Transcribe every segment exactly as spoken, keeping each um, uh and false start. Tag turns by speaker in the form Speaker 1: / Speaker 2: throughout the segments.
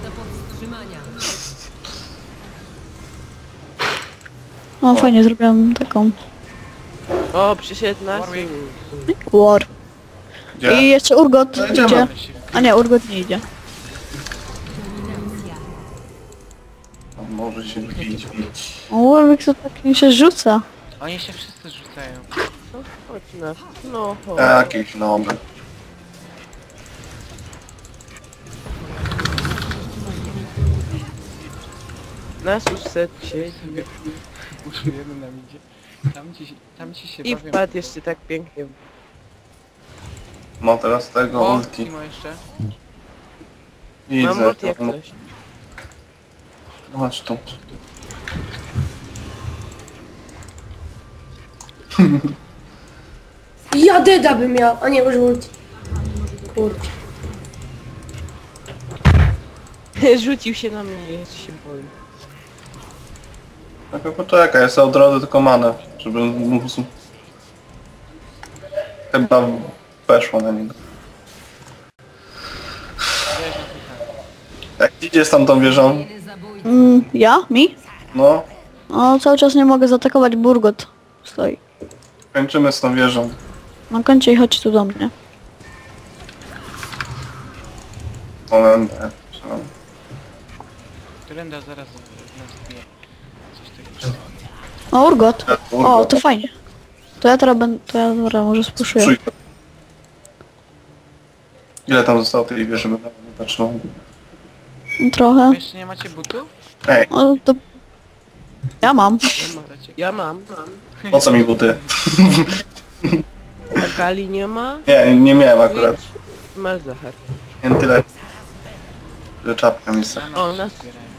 Speaker 1: O, fajnie zrobiłam taką
Speaker 2: O, przyszedł nas.
Speaker 1: war.
Speaker 3: Gdzie?
Speaker 1: I jeszcze Urgot
Speaker 3: No idziemy.
Speaker 1: idzie. A nie, Urgot nie idzie.
Speaker 3: On może się bić, bić.
Speaker 1: O, Warwick to tak mi się rzuca.
Speaker 4: Oni się wszyscy rzucają.
Speaker 2: No, chodź nas. No, chodź.
Speaker 3: Jakiś nowy.
Speaker 2: Nas już set się.
Speaker 4: Puszujemy nam idzie. Tam ci, tam ci się
Speaker 2: I
Speaker 4: bawią.
Speaker 2: wpadł jeszcze tak pięknie.
Speaker 3: Ma teraz tego
Speaker 4: O,
Speaker 3: ulti.
Speaker 4: Timo jeszcze.
Speaker 2: Mam
Speaker 3: Widzę.
Speaker 2: ulti jak
Speaker 3: No,
Speaker 2: coś.
Speaker 3: chodź tu.
Speaker 5: Ja deda bym miał, a nie już ulti. Kurczę.
Speaker 2: Rzucił się na mnie, jeszcze się boję.
Speaker 3: Tylko poczekaj, ja sobie od razu tylko manę, żeby mógł... Chyba weszło na niego.
Speaker 4: Wiesz, na tym.
Speaker 3: Jak idzie z tamtą wieżą?
Speaker 1: Mm, ja? Mi?
Speaker 3: No,
Speaker 1: O, cały czas nie mogę zaatakować, Burgot stoi.
Speaker 3: kończymy z tą wieżą.
Speaker 1: Na końcu i chodź tu do mnie.
Speaker 3: Moment.
Speaker 4: Trenda zaraz nas bije. Coś takiego.
Speaker 1: O, Urgot. O, to fajnie. To ja teraz będę, to ja teraz może spuszuję.
Speaker 3: Trójka. Ile tam zostało tej wieży, bym nawet nie patrzył.
Speaker 1: Trochę.
Speaker 4: Wy jeszcze nie macie butów?
Speaker 3: Ej,
Speaker 1: O, to... Ja mam.
Speaker 2: Ja mam. Ja mam. mam.
Speaker 3: po co mi buty?
Speaker 2: A Kali nie ma?
Speaker 3: Nie, nie miałem akurat.
Speaker 2: Masz Zachar.
Speaker 3: Nie tyle. Że czapka mi sa.
Speaker 2: O, nas.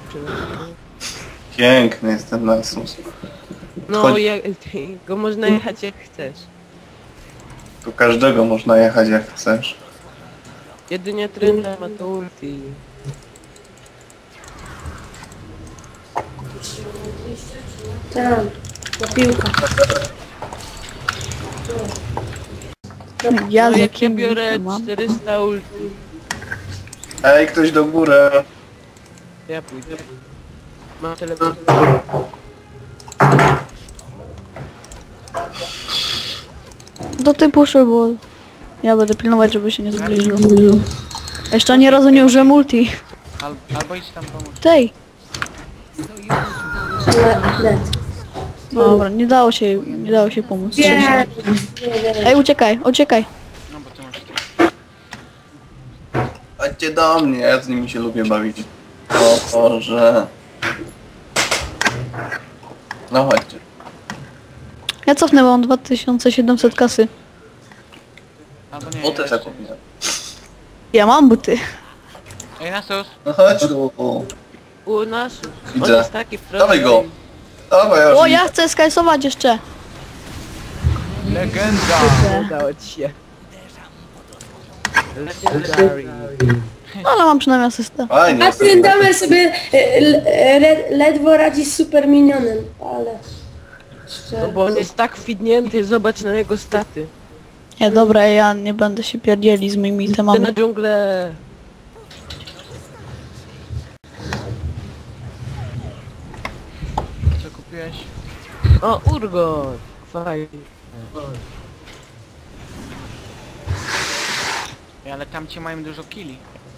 Speaker 3: Piękny jest ten Nasus.
Speaker 2: No,
Speaker 3: Chodź.
Speaker 2: jak, go można jechać jak chcesz.
Speaker 3: Tu każdego można jechać jak chcesz.
Speaker 2: Jedynie Trenda ma to ulti.
Speaker 5: Tam, na piłka.
Speaker 1: Ja
Speaker 2: No
Speaker 1: z
Speaker 2: jak ja
Speaker 1: jakim
Speaker 2: biorę
Speaker 1: mam?
Speaker 2: czterysta ulti.
Speaker 3: Ej, ktoś do góry.
Speaker 2: Ja pójdę. Mam telefon.
Speaker 1: Do tej puszy, bo ja będę pilnować, żeby się nie zbliżył. Jeszcze ani razu nie użyłem multi.
Speaker 4: Al, albo idź tam pomóc.
Speaker 1: Tej.
Speaker 5: Le- Led.
Speaker 1: Dobra, nie dało się, nie dało się pomóc.
Speaker 5: Nie, nie, nie.
Speaker 1: Ej, uciekaj, uciekaj.
Speaker 4: No bo ty masz
Speaker 3: Chodźcie do mnie, ja z nimi się lubię bawić. O Boże. No chodźcie.
Speaker 1: Ja cofnę, bo mam dwa tysiące siedemset kasy.
Speaker 4: Albo nie.
Speaker 3: Buty
Speaker 4: ja
Speaker 3: sobie
Speaker 4: jeszcze-
Speaker 3: kupiłem.
Speaker 1: Ja mam buty.
Speaker 4: Ej, Nasus!
Speaker 3: No chodź tu.
Speaker 2: U nas. On
Speaker 3: Widzę.
Speaker 2: jest taki
Speaker 3: Dawaj go. Dawaj,
Speaker 1: O,
Speaker 3: aż
Speaker 1: ja chcę skajsować jeszcze.
Speaker 4: Legenda!
Speaker 2: Udało ci się. Legendary.
Speaker 1: Ale mam przynajmniej asystę.
Speaker 3: Fajnie.
Speaker 5: A ten damer sobie e, le- e, ledwo radzi z super minionem, ale...
Speaker 2: No bo on jest tak fidnięty, zobacz na jego staty.
Speaker 1: Nie, dobra, ja nie będę się pierdzieli z moimi
Speaker 2: Ty
Speaker 1: temami.
Speaker 2: na dżunglę.
Speaker 4: Co kupiłeś?
Speaker 2: O, Urgot. Fajnie.
Speaker 4: Ej, ale tam ci mają dużo killi.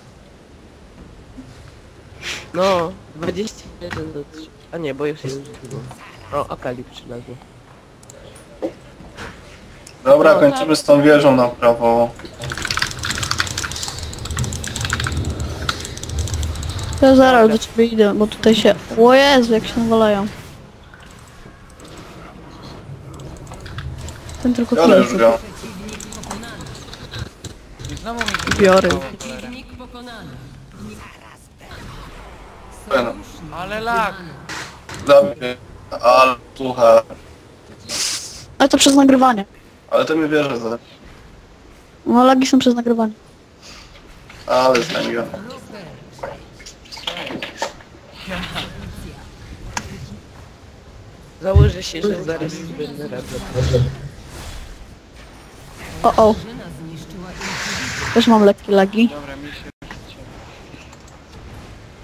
Speaker 2: No, dwadzieścia jeden do trzy. A nie, bo już jest dużo. O, Akali przylazło.
Speaker 3: Dobra, kończymy z tą wieżą na prawo.
Speaker 1: Ja zaraz do ciebie idę, bo tutaj się... O Jezu, jak się nawalają. Ten tylko
Speaker 3: Biorę już
Speaker 1: chwilę.
Speaker 3: go.
Speaker 4: I znowu mi
Speaker 1: Biorę.
Speaker 4: wyjechało, cholera.
Speaker 3: Ten.
Speaker 4: Ale lag!
Speaker 3: Dobry. Ale słuchaj.
Speaker 1: Ale to przez nagrywanie.
Speaker 3: Ale to mi wierzę za...
Speaker 1: No lagi są przez nagrywanie.
Speaker 3: Ale znam go.
Speaker 2: Założę się, że zaraz będę radzę.
Speaker 1: O, o. Też mam lekkie lagi.
Speaker 4: Dobra, mi się...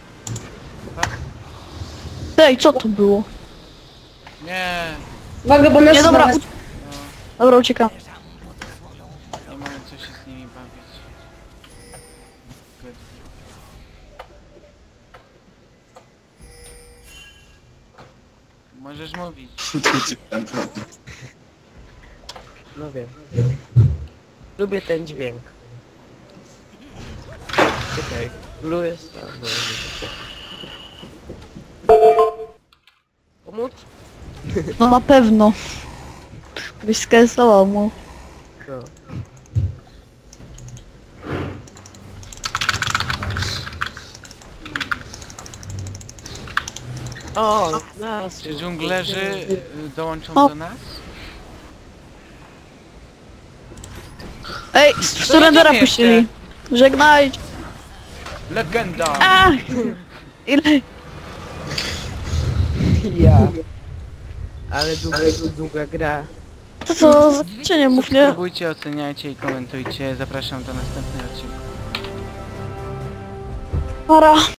Speaker 1: Ej, co to było?
Speaker 4: Nie,
Speaker 5: Uwaga, bo nas
Speaker 1: Nie, dobra,
Speaker 5: nas-
Speaker 1: u... Dobra, uciekam.
Speaker 4: nie mamy co się z nimi bawić. Good. Możesz mówić.
Speaker 2: No wiem. Lubię ten dźwięk. Czekaj, Blue jest tam. no, nie. Pomóc?
Speaker 1: No na pewno. Byś skancelował mu.
Speaker 2: No. O, nas
Speaker 4: Czy dżunglerzy y, dołączą
Speaker 1: O.
Speaker 4: do nas?
Speaker 1: Ej, z surrendera
Speaker 4: idziemy jeszcze.
Speaker 1: puścili. Żegnajcie.
Speaker 4: Legenda!
Speaker 1: A! Ile?
Speaker 2: Ja. Ale długa, długa gra.
Speaker 1: To co, za nie mów, nie?
Speaker 4: Subskrybujcie, oceniajcie i komentujcie. Zapraszam do następnego odcinka.
Speaker 1: Para.